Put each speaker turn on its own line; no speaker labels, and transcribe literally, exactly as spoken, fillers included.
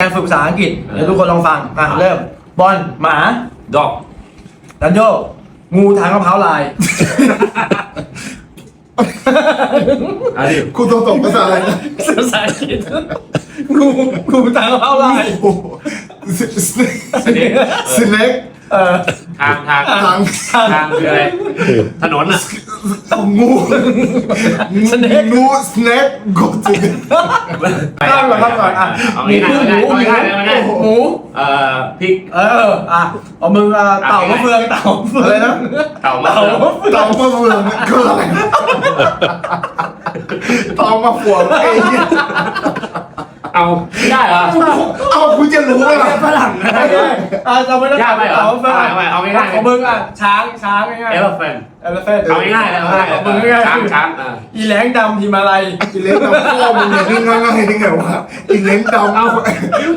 ฝึกภาษาอังกฤษเดี๋ยวทุกคนลองฟังอ่ะเริ่มบอลหมา
ดอก
ดันโยงูทางมะพร้าวลาย
อันนี้
คุณต้องตกภาษาอะไรนะ
ภาษาอังกฤษงูงูทางมะพร้าวลาย
โอ้โหสสเน็ก
สเน็ก
สเน็ก
เออ
ทางทาง
ทาง
ทางคืออะไรถนนอ่ะ
งูงู
สเน็ก
งูสเน็กกดจิก
ข้ามก่อนข้ามก่อนอ่ะ
เอาง่ายๆเอาง่ายๆเอาง่าย
หมู
ๆเอ่อพริก
เอออ่ะเอามืออ่ะเต่ามะเฟืองเต่ามะเฟือง
อะไรนะ
เต่ามะ
เต่า
เฟือง
มะเฟือง
เตามาเฟืองคืออะไรเตามาฟืองไอ้เนี่ย
เอาไม่ได้เหรอ
เอาคุณจะรู้ไหมล่ะ
ฝรั่งนะอ่ะเราไม่ได้
ยากไปเหรอ
เต่ามะเฟือง
เอาไปเอาง่ายๆ
ของมึงอ่ะช้างช้างง่าย
เอ
ๆ
ลเฟน
เอลเฟน
เอาง่ายๆเลยเอาง่ายๆ
ของมึงง่ายๆ
ช้างช้างอ่า
อีแหลงดำหิมาลัย
กินเล้งดำพ่อมึงเนี่ยนี่ง่ายๆได้ไงวะกินเล้งดำ
เอา